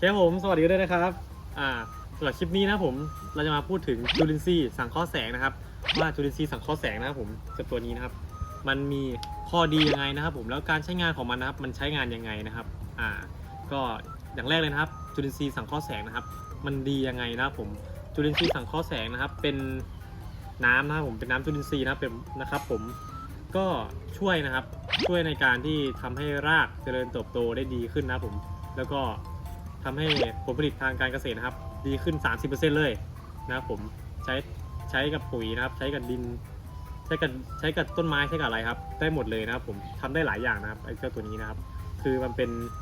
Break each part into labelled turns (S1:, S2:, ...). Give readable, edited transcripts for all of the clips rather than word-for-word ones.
S1: ผมสวัสดีด้วยนะครับสำหรับคลิปนี้นะผมเราจะมาพูดถึงจุลินทรีย์สังเคราะห์แสงนะครับว่าจุลินทรีย์สังเคราะห์แสงนะครับผมกับตัวนี้นะครับมันมีข้อดียังไงนะครับผมแล้วการใช้งานของมันนะครับมันใช้งานยังไงนะครับก็อย่างแรกเลยนะครับจุลินทรีย์สังเคราะห์แสงนะครับมันดียังไงนะครับผมจุลินทรีย์สังเคราะห์แสงนะครับเป็นน้ำนะครับผมเป็นน้ำจุลินทรีย์นะครับผมก็ช่วยนะครับช่วยในการที่ทำให้รากเจริญเติบโตได้ดีขึ้นนะครับผมแล้วก็ทำให้ผลผลิตทางการเกษตรนะครับดีขึ้น 30% เลยนะครับผมใช้กับปุ๋ยนะครับใช้กับดินใช้กับต้นไม้ใช้กับอะไรครับได้หมดเลยนะครับผมทำได้หลายอย่างนะครับไอ้เจ้าตัวนี้นะครับคือมัน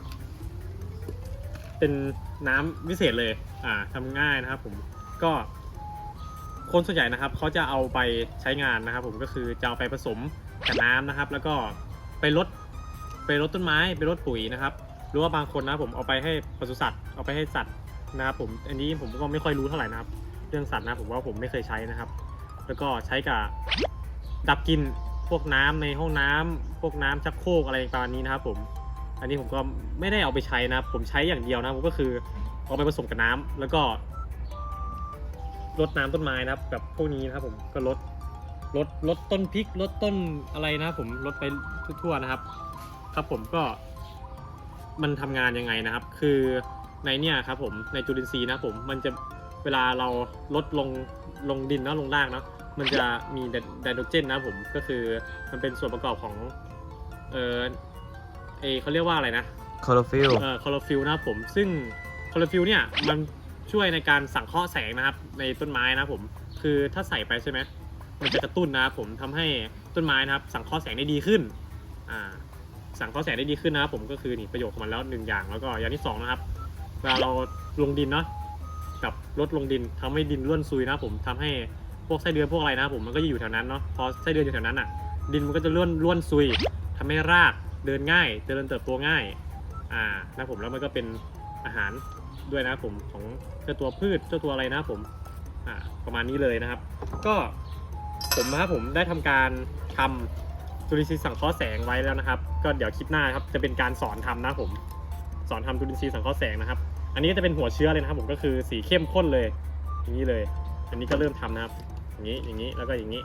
S1: เป็นน้ำวิเศษเลยทำง่ายนะครับผมก็คนส่วนใหญ่นะครับเขาจะเอาไปใช้งานนะครับผมก็คือจะเอาไปผสมกับน้ำนะครับแล้วก็ไปรดต้นไม้ไปรดปุ๋ยนะครับหรือว่าบางคนนะผมเอาไปให้ปศุสัตว์เอาไปให้สัตว์นะครับผมอันนี้ผมก็ไม่ค่อยรู้เท่าไหร่นะครับเรื่องสัตว์นะผมว่าผมไม่เคยใช้นะครับแล้วก็ใช้กับดับกลิ่นพวกน้ำในห้องน้ำพวกน้ำชักโครกอะไรประมาณนี้นะครับผมอันนี้ผมก็ไม่ได้เอาไปใช้นะผมใช้อย่างเดียวนะผมก็คือเอาไปผสมกับน้ำแล้วก็รดน้ำต้นไม้นะครับแบบพวกนี้นะครับผมก็รดต้นพริกรดต้นอะไรนะครับผมรดไปทั่วๆนะครับครับผมก็มันทำงานยังไงนะครับคือในเนี่ยครับผมในจุลินทรีย์นะผมมันจะเวลาเราลดลงดินนะลงรากเนาะมันจะมีไดโนเจนนะผมก็คือมันเป็นส่วนประกอบของเขาเรียกว่าอะไรนะ
S2: คลอโรฟิล
S1: คลอโรฟิลนะครับผมซึ่งคลอโรฟิลเนี่ยมันช่วยในการสังเคราะห์แสงนะครับในต้นไม้นะผมคือถ้าใส่ไปใช่ไหมมันจะกระตุ้นนะครับผมทำให้ต้นไม้นะครับสังเคราะห์แสงได้ดีขึ้นสังเคราะห์แสงได้ดีขึ้นนะครับผมก็คือนี่ประโยชน์ของมันแล้ว1อย่างแล้วก็อย่างที่2นะครับเวลาเราลงดินเนาะกับลดลงดินทำให้ดินร่วนซุยนะผมทำให้พวกไส้เดือนพวกอะไรนะผมมันก็จะอยู่แถวนั้นเนาะพอไส้เดือนอยู่แถวนั้นดินมันก็จะร่วนซุยทำให้รากเดินง่ายเจริญเติบโตง่ายนะผมแล้วมันก็เป็นอาหารด้วยนะผมของเจ้าตัวพืชเจ้าตัวอะไรนะผมประมาณนี้เลยนะครับก็ผมนะครับผมได้ทำการทำจุลินทรีย์สังเคราะห์แสงไว้แล้วนะครับก็เดี๋ยวคลิปหน้าครับจะเป็นการสอนทำนะผมสอนทำจุลินทรีย์สังเคราะห์แสงนะครับอันนี้จะเป็นหัวเชื้อเลยนะครับผมก็คือสีเข้มข้นเลยอย่างนี้เลยอันนี้ก็เริ่มทำนะครับอย่างนี้แล้วก็อย่างนี้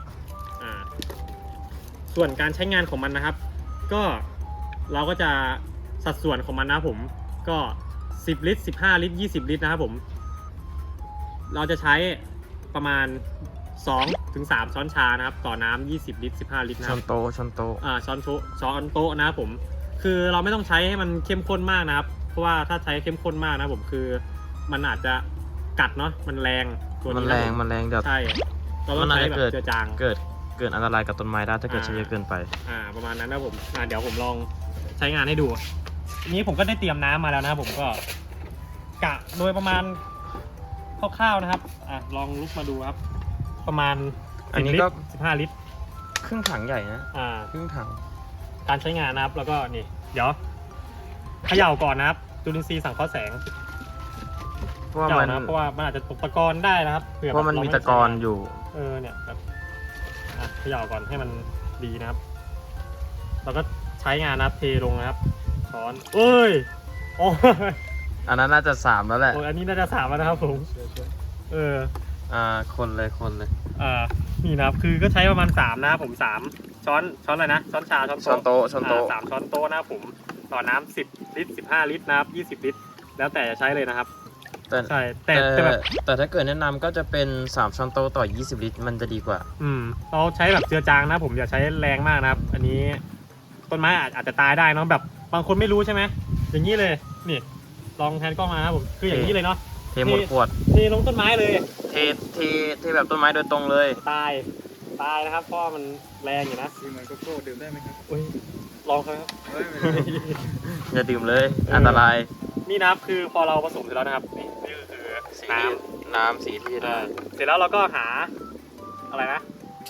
S1: ส่วนการใช้งานของมันนะครับก็เราก็จะสัดส่วนของมันนะผมก็10 ลิตร15 ลิตร20 ลิตรนะครับผมเราจะใช้ประมาณ2-3 ช้อนชานะครับต่อน้ำ20 ลิตร15 ลิตรนะช้อนโต๊ะช้อนโต๊ะนะครับผมคือเราไม่ต้องใช้ให้มันเข้มข้นมากนะครับเพราะว่าถ้าใช้เข้มข้นมากนะผมคือมันอาจจะกัดเนาะมันแรงตัวนี้
S2: มันแรงเดี๋ยว
S1: ใช่เราต้องใช้แบบเจือจาง
S2: เกิดอันตรายกับต้นไม้ได้ถ้าเกิดใช้เยอะเกินไป
S1: ประมาณนั้นนะผมเดี๋ยวผมลองใช้งานให้ดูนี้ผมก็ได้เตรียมน้ำมาแล้วนะครับผมก็กะโดยประมาณคร่าวๆนะครับลองลุกมาดูครับประมาณ
S2: อันนี้ก็
S1: 15 ลิตร
S2: ครึ่งถังใหญ่นะครึ่งถัง
S1: การใช้งานนะครับแล้วก็นี่เดี๋ยวเขย่าก่อนนะครับจุลินทรีย์สังเคราะห์แสงเพราะว่ามันอาจจะตกตะกอนได้นะครับ
S2: เพราะมันมีตะกอนอยู่
S1: เนี่ยแบบเขย่าก่อนให้มันดีนะครับเราก็ใช้งานนะครับเทลงนะครับช้อนโอ้ย
S2: อันนั้นน่าจะ3แล้วแหละ
S1: อันนี้น่าจะ3แล้วนะครับผม
S2: คนเลย
S1: นี่นะครับคือก็ใช้ประมาณ3นะครับผม3ช้อนอะไรนะช้อนชาช้อนโต๊ะ3 ช้อนโต๊ะนะครับผมต่อน้ำ10 ลิตร15 ลิตรนะครับ20 ลิตรแล้วแต่จะใช้เลยนะครับใช่
S2: แต่ถ้าเกิดแนะนำก็จะเป็น3 ช้อนโต๊ะต่อ20 ลิตรมันจะดีกว่า
S1: เราใช้แบบเจือจางนะผมอย่าใช้แรงมากนะครับอันนี้ต้นไม้อาจจะตายได้เนาะแบบบางคนไม่รู้ใช่ไหมอย่างนี้เลยนี่ลองแทนกล้องมาครับผมคืออย่างนี้เลยเนาะ
S2: เทหมดขวด
S1: เทลงต้นไม้เลย
S2: เทแบบต้นไม้โดยตรงเลย
S1: ตายนะครับเพราะมันแรงอยู่นะ
S3: เหมือนโกโก้ดื่มได้ไหมครับ
S1: ลองครับ
S2: อย่าดื่มเลยอันตราย
S1: นี่นะครับคือพอเราผสมเสร็จแล้วนะครับนี่คือ
S2: น้ำสีที่
S1: เสร็จแล้วเราก็หาอะไรนะ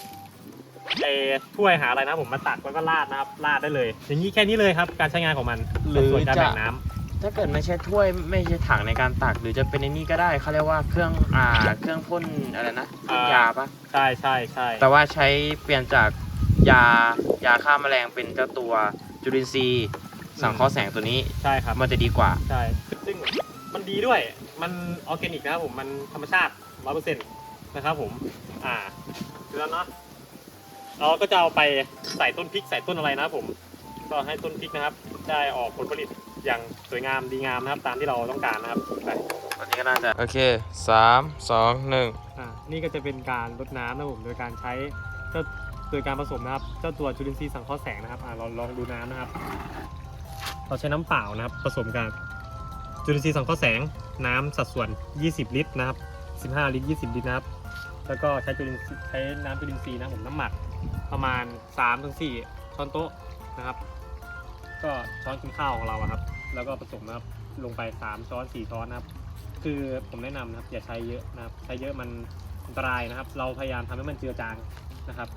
S1: ถ้วยหาอะไรนะผมมาตักแล้วก็ราดนะครับราดได้เลยอย่างนี้แค่นี้เลยครับการใช้งานของมัน
S2: หรือ
S1: การแบ่งน้ำ
S2: ถ้าเกิดไม่ใช่ถ้วยไม่ใช่ถังในการตักหรือจะเป็นในนี้ก็ได้เขาเรียกว่าเครื่องพ่นอะไรนะยาปะ
S1: ใช่
S2: แต่ว่าใช้เปลี่ยนจากยาฆ่าแมลงเป็นเจ้าตัวจุลินทรีย์สังเคราะห์แสงตัวนี้
S1: ใช่ครับ
S2: มันจะดีกว่า
S1: ใช่ซึ่งมันดีด้วยมันออร์แกนิกนะครับผมมันธรรมชาติ 100%นะครับผมดูแล้วเนาะเราก็จะเอาไปใส่ต้นพริกใส่ต้นอะไรนะครับผมก็ให้ต้นพริกนะครับได้ออกผลผลิตอย่างสวยงามดีงามนะครับตามที่เราต้องการนะครับไป
S2: ตอนนี้ก็น่าจะโอเค3 2 1
S1: นี่ก็จะเป็นการรดน้ำนะครับผมโดยการใช้โดยการผสมนะครับเจ้าตัวจุลินทรีย์สังเคราะห์แสงนะครับเราลองดูน้ำนะครับเราใช้น้ำเปล่านะครับผสมกับจุลินทรีย์สังเคราะห์แสงน้ำสัดส่วน20 ลิตรนะครับ15 ลิตร20 ลิตรนะครับแล้วก็ใช้น้ำจุลินทรีย์นะครับผมน้ำหมักประมาณ 3-4 ช้อนโต๊ะนะครับก็ช้อนกินข้าวของเราอะครับแล้วก็ผสมนะครับลงไป3 ช้อน 4 ช้อนนะครับคือผมแนะนำนะครับอย่าใช้เยอะนะครับใช้เยอะมันอันตรายนะครับเราพยายามทำให้มันเจือจางนะครับ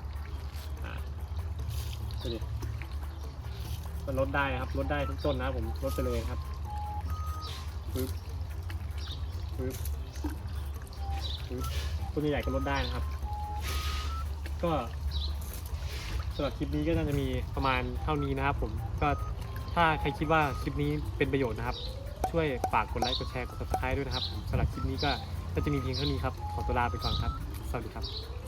S1: ดูดิมันลดได้นะครับลดได้ทุกต้นนะครับผมลดไปเลยครับปึ๊บปึ๊บปึ๊บต้นใหญ่ๆก็ลดได้นะครับก็สำหรับคลิปนี้ก็น่าจะมีประมาณเท่านี้นะครับผมก็ถ้าใครคิดว่าคลิปนี้เป็นประโยชน์นะครับช่วยฝากกดไลค์กดแชร์กด subscribe ด้วยนะครับสำหรับคลิปนี้ก็จะมีเพียงเท่านี้ครับขอตัวลาไปก่อนครับสวัสดีครับ